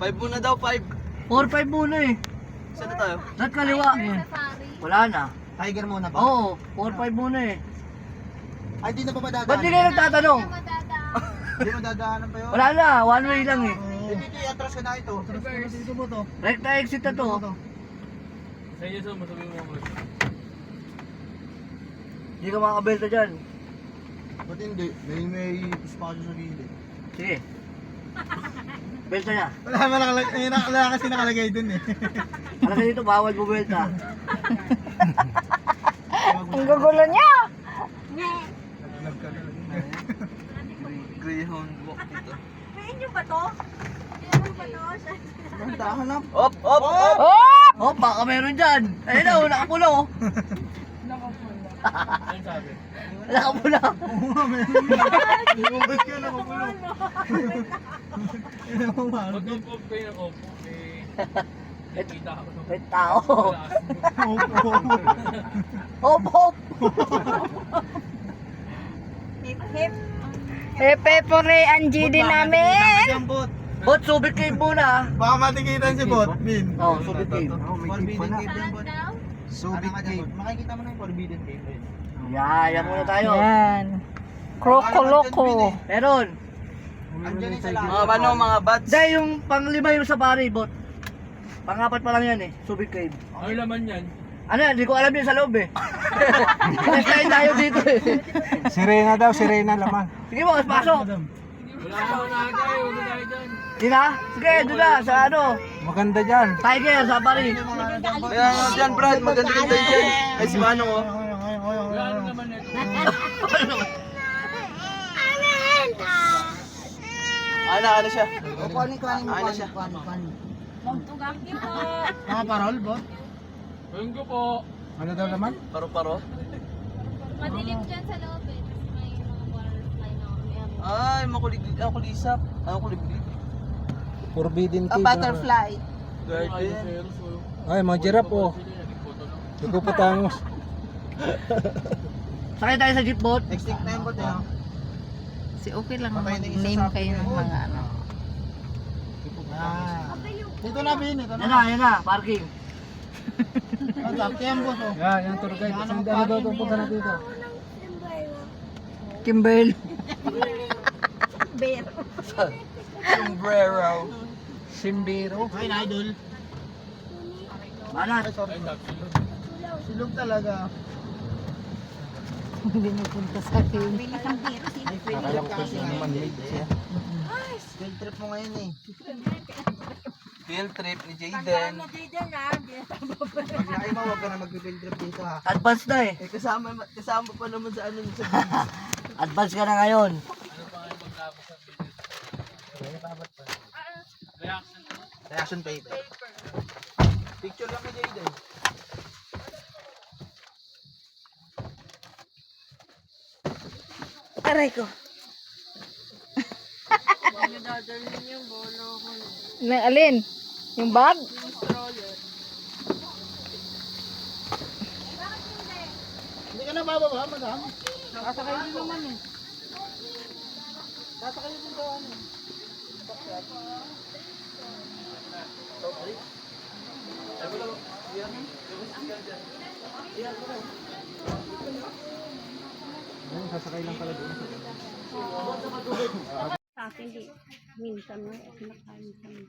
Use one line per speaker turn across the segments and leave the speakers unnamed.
5 muna daw, 5.
4-5 muna eh.
Saan na tayo?
Sa kaliwa. Wala na.
Tiger muna ba?
Oo, 4-5 muna eh.
Ay, di na pa madadaan.
Ba't di kayo nagtatanong?
Di madadaanan pa yun.
Wala na, one way lang eh.
Dito, atras ka na ito. Atras ka na dito mo to.
Recta exit na to.
Sa iyo, so, masabi mo mo.
Hindi ka makakabelta dyan.
Ba't hindi? May espasyo sa gilid.
Sige. Belta niya.
Wala kasi nakalagay dun eh.
Alam ka dito, bawal bubelta.
Ang gugulo niya!
Greyhound walk dito.
Main nyo ba to?
Bantahan na.
Op, op, op!
Oh!
Oh, baka meron dyan. Ayun na, nakapulo.
Ano sabi?
Nakapula.
Oo nga, meron na. Lumabas ka na, mapulo.
Mag-off kayo ng off. Eh, kita ako.
May tao.
Wala.
Hop, hop.
Hip hip. Hepe pore ang GD namin.
Bot, subit kayo muna.
Baka matikitan si Bot, Bin.
Oo, subit kayo.
Forbidden Cave yan, Bot. Subic Cave. Makikita mo na yung Forbidden Cave.
Yan muna tayo.
Yan. Krokoloko.
Meron.
Andiyan yung sa lahat.
Mga ano, mga bats.
Dahil yung pang-5 yung safari, bot. Pang-4 pa lang yan eh, subit kayo.
Ano laman yan?
Ano yan, hindi ko alam yun sa loob eh. Nag-slide tayo dito eh.
Sirena daw, sirena laman.
Sige mo, pasok.
Wala ako na tayo. Huwag na tayo dyan.
Di na? Sige, doon na, sa ano.
Maganda dyan.
Tiger, safari.
Kaya ano dyan, Brad, maganda-ganda dyan. Ay, si Manong, oh.
Wala ano naman ito.
Ano siya?
Kuhanin mo.
Ano siya?
Magtugaki po.
Mga parol, Bot.
Ayun ko po.
Ano daw laman?
Paro-paro.
Madilim dyan sa loob eh. Tapos may mga butterfly na may ano.
Ay, makuliglig. Ako kulisap. Ano kuliglig?
Forbidden
A butterfly.
Garden.
Ay, mga giraffe oh. Nagpuputangos.
Sakay tayo sa jeep, bot.
Extinct na yung Bot eh.
Si okay lang
Patay na isa
name
sa
kayo ng
akin.
mga ano.
Dito na, Bin. Ito
Yan na, parking.
Yan, Bot oh. Yan tour guide. Saan ano daw itong punta na dito?
Kimberly.
Sombrero.
Simbiro. Ay, na-idol.
Manat.
Silog talaga.
Hindi napunta sa akin.
Akala ko kasi man-made siya. Field trip mo ngayon eh.
Field trip ni Jayden.
Pag laki mo, huwag ka na mag-field trip dito ha.
Advance na eh.
Eh, kasama pa naman sa ano sa
Advance ka na ngayon.
Reaction paper. Picture lang ni Jayden.
Aray ko. Na alin? Yung bag?
Hindi ka na bababa, madam. Sasakay din naman eh. Sasakay din daw ano. Sasakay lang pala doon.
Sa akin di. Minsan na. Kinakain kami.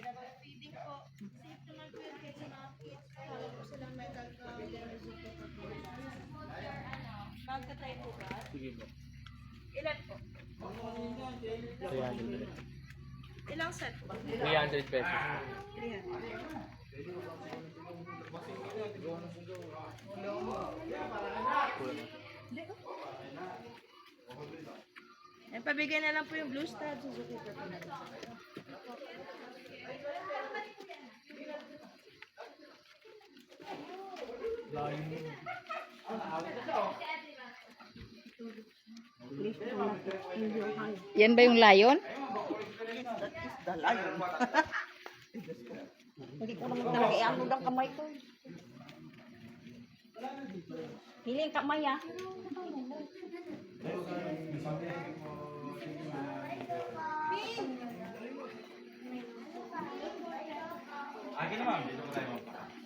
Ilang set po?
300 pesos.
Pabigay na lang po yung Blue Star Suzuki po.
Yan ba yung lion?
Hindi ko naman talaga i-ano ng kamay ko. Hiling kamay ah.
Dito ma'am, dito po tayo ma'am.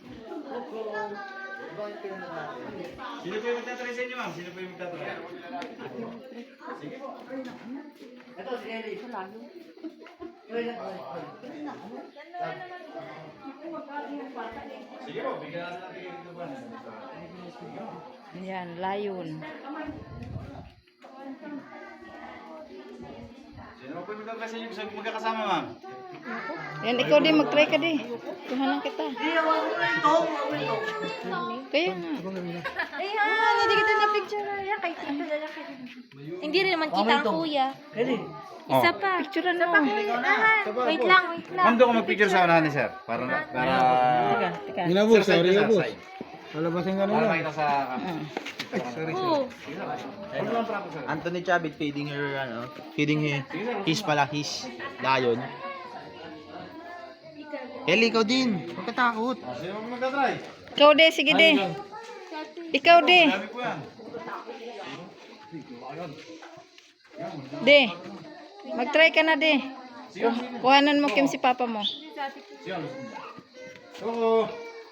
Sino po yung magtatry sa inyo ma'am? Sino po yung magtatry? Sige po.
Ito, si Ellie. Ito lang.
Sige po, bigyan natin dito ba?
Yan, layon.
Sino po yung magtatry sa inyo? Gusto magkakasama ma'am?
Yan, ikaw din, mag-try ka din. Tuhanan kita. Kaya nga.
Ayan, hindi kita na picture na yan. Kay tita na lang. Hindi rin naman kita ang kuya.
Ellie.
Isa pa.
Picturean mo.
Wait lang, wait lang.
Ma'am, doon ko mag-picture sa unahan ni sir. Para
Teka.
Ginabos,
Sir,
sorry
side to
na boss.
side.
Palabasin ka na
Para
lang.
makita sa...
Oo.
Anthony Chavit feeding her his lion. Ellie, ikaw din. Huwag ka takot.
Sino po magtatry?
Ikaw de, sige de. Ikaw de.
Sabi po yan.
De. Mag-try ka na de. Kuhanan mo Kim si papa mo.
Oo.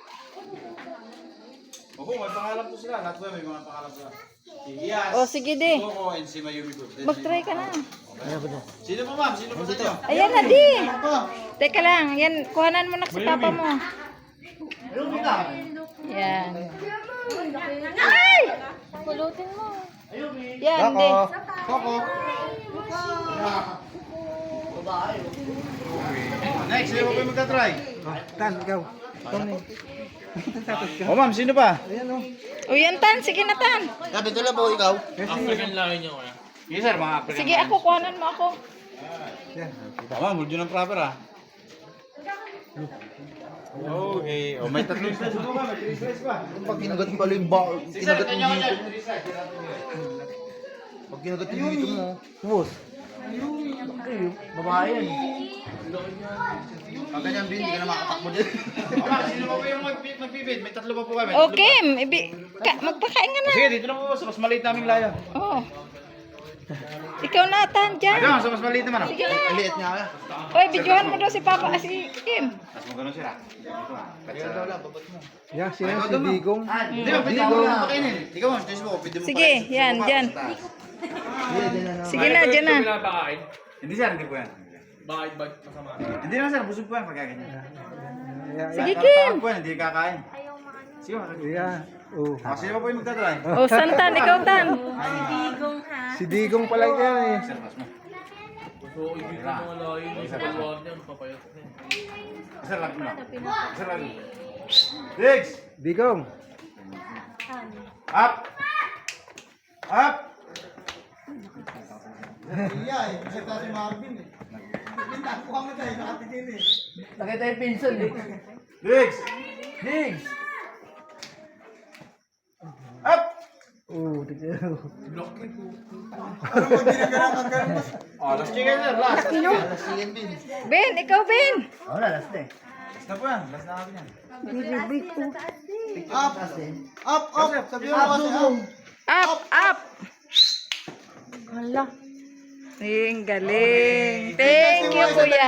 Opo, may pangalan po sila. Lahat po may mga pangalan sila. Si Iyas.
O sige de.
Coco and si Mayumi po.
Mag-try ka na.
Sino po ma'am? Sino po sa inyo?
Ayan na di. Teka lang, yan, kuhanan mo na si papa mo.
Ayun ka.
Yan. Ay!
Pulutin mo.
Yan, de.
Coco.
Babae.
Next, sino po yung magtatry?
Tan, ikaw.
O ma'am, sino pa?
O yan, Tan. Sige na, Tan.
Sabi ito lang po, ikaw.
Yes sir, mga African.
Sige ako, kuhanan mo ako.
Ma'am, hold yun ng proper ah. Okay. O, may tatlong slice po ba? May 3 slice pa.
Pag kinagat mo pala yung kinagat mo dito. Pag kinagat mo dito mo.
Boss. Babae yan.
Pag ganyan bin, hindi ka na makatakbo din.
O ma'am, sino pa po yung magpipid? May tatlo pa po kami.
O, Kim. Magpakain ka na.
Sige, dito na po sa mas maliit naming layo.
Oh. Ikaw na, Tan, dyan.
Ayun, sa mas maliit naman ah.
Sige na.
Ang liit nga.
Oy, videohan mo daw si Papa, si Kim.
Tapos mo ganun sila. Dito ah.
Kaya daw lang, babat mo.
Yan,
Ay,
siya
ikaw
si
daw, ma'am.
Digong.
Hindi ba, pwede mo na pakainin. Ikaw mo, choice mo. Pwede mo
Sige,
pakainin.
yan,
Gusto mo
dyan.
pa, sa taas.
Sige na, dyan na.
Pinapakain.
Hindi sir, hindi po yan.
Bakit ba masama?
Hindi naman sir, busog po yan pag ganyan.
Sige, Kim.
Tawag po yan, hindi kakain. Sige,
Yeah. Oh.
sino pa po yung magtatry?
O, San, Tan, ikaw, Tan.
Si Digong pala yan eh.
Sir, pas mo.
So, ibig ko mga layo yung sa palwag niya. Papayat na yan.
Sir, lag mo na. Sir, lag mo. Diggs!
Digong.
Up! Up!
Nakita yung pinsan eh.
Diggs!
Diggs!
Up!
Oh, tignan mo.
Oh, last chicken sir, last.
Ben, ikaw, Ben.
Oh, last na eh.
Last na po yan, last na natin yan.
Up! Up! Up! Sabi mo kasi up!
Up, up. Hala. Ang galing. Thank you, kuya.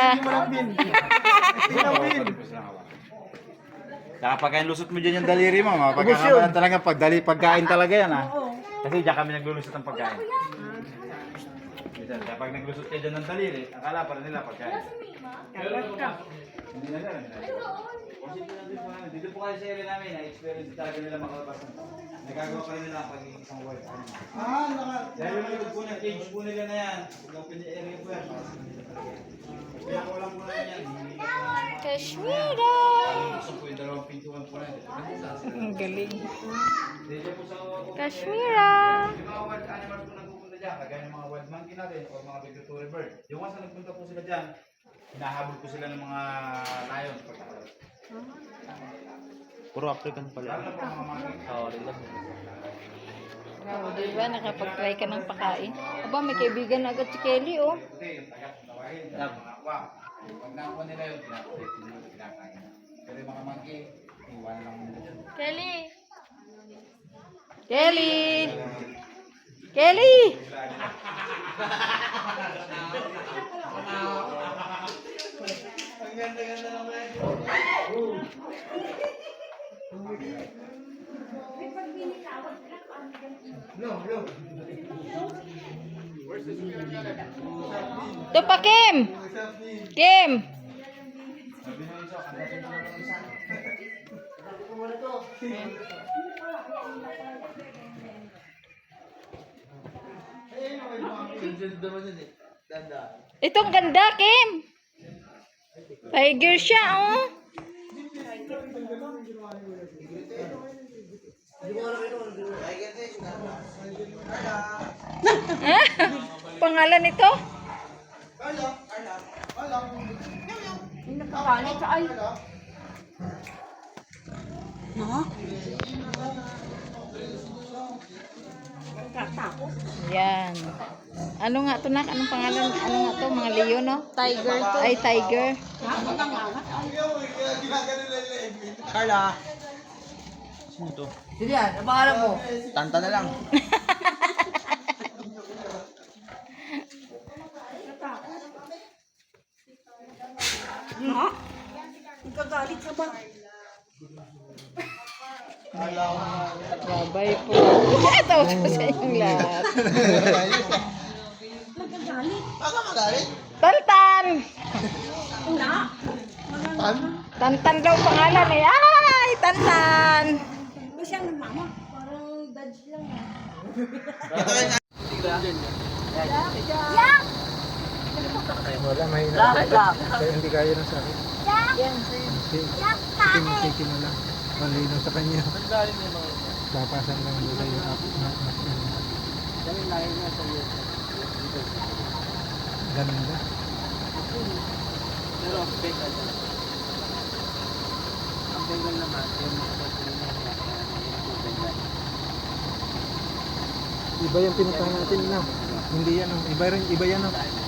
Saka pagkain lusot mo dyan yung daliri mo, mapagkakabalan talaga pagkain talaga yan ha. Kasi dyan kami naglulusot ng pagkain. Minsan, kapag naglusot kayo dyan ng daliri, akala pa rin nila pagkain. Hindi na sir, hindi na. Dito po kayo sa area namin, na-experience talaga nila makalabas. Nagagawa pa rin nila ang pagiging isang world. Dahil yung likod po ng cage po nila na yan, open the area po yan. Kaya ko lang po na yan.
Kashmira.
Gusto po yung dalawang pintuan po na yan.
Ang galing.
Dito po sa
Kashmira.
yung mga wild animals po nagpupunta dyan, kagaya ng mga wild monkey natin o mga migratory bird. Yung once na nagpunta po sila dyan, hinahabol po sila ng mga lion.
Puro African pala.
Lalo na po ang mga monkey.
Oh, di ba? Nakapag-try ka ng pakain. Aba, may kaibigan na agad si Kelly, oh.
Puti, yung tagat, tawagin, yung mga aqua. Pag nakuha nila yun, kinakain. Pero yung mga monkey, iwan lang nila dyan.
Kelly.
Kelly! Kelly!
Ang ganda-ganda naman.
Ito pa, Kim! Kim! Itong ganda, Kim! Tiger siya, oh! Pangalan nito? Yan. Ano nga to, nak? Anong pangalan? Ano nga to? Mga leon, no?
Tiger to.
Ay, tiger.
Carla. Sino to?
Sige yan, ang pangalan mo.
Tanta na lang.
Babay po. Ito ko sa inyong lahat.
Baka magalit.
Tantan! Tantan daw pangalan eh. Ay, Tantan!
Wala, may
Lapit lang.
kaya hindi kaya ng sakit. Tiki mo lang. Malino sa kanya. Papasan lang nila yung up. Ganun ba? Iba yung pinuntahan natin na. Hindi yan. Iba yan.